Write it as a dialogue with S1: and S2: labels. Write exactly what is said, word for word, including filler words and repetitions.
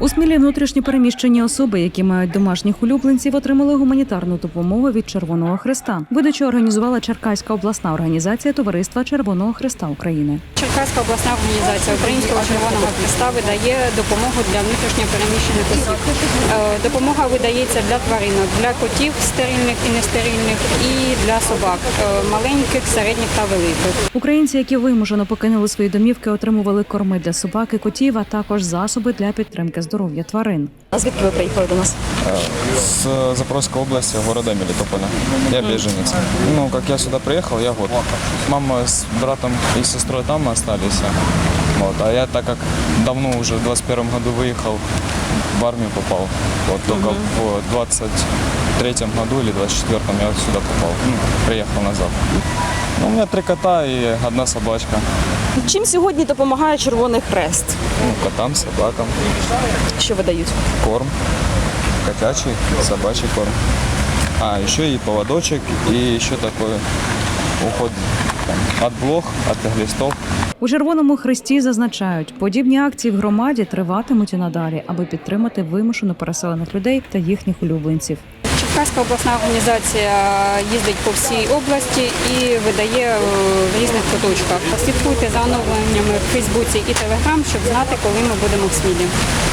S1: У Смілі внутрішньо переміщені особи, які мають домашніх улюбленців, отримали гуманітарну допомогу від Червоного Хреста. Видачу організувала Черкаська обласна організація Товариства Червоного Хреста України.
S2: Черкаська обласна організація Українського Червоного Хреста видає допомогу для внутрішньо переміщених осіб. Е, Допомога видається для тваринок, для котів стерильних і нестерильних, і для собак е, маленьких, середніх та великих.
S1: Українці, які вимушено покинули свої домівки, отримували корми для собак і котів, а також засоби для підтримки здоров'я тварин.
S3: А звідки ви приїхали до нас?
S4: С Запорожской области, города Мелитополя. Я беженец. Ну, как я сюда приехал, я вот. Мама с братом и сестрой там остались. Вот. А я, так как давно уже в двадцать первом году выехал, в армию попал. Вот только в двадцать третьем году или двадцать четвёртом я сюда попал. Ну, приехал назад. Ну, у меня три кота и одна собачка.
S3: Чим сьогодні допомагає Червоний Хрест?
S4: Ну, котам, собакам.
S3: Що видають?
S4: Корм. Котячий, собачий корм. А, еще и поводочек, и еще такой уход там, от блох, от глистов.
S1: У Червоному Хресті зазначають, подібні акції в громаді триватимуть і надалі, аби підтримати вимушено переселених людей та їхніх улюбленців.
S2: Черкаська обласна організація їздить по всій області і видає в різних куточках. Слідкуйте за оновленнями в Фейсбуці і Телеграм, щоб знати, коли ми будемо в Смілі.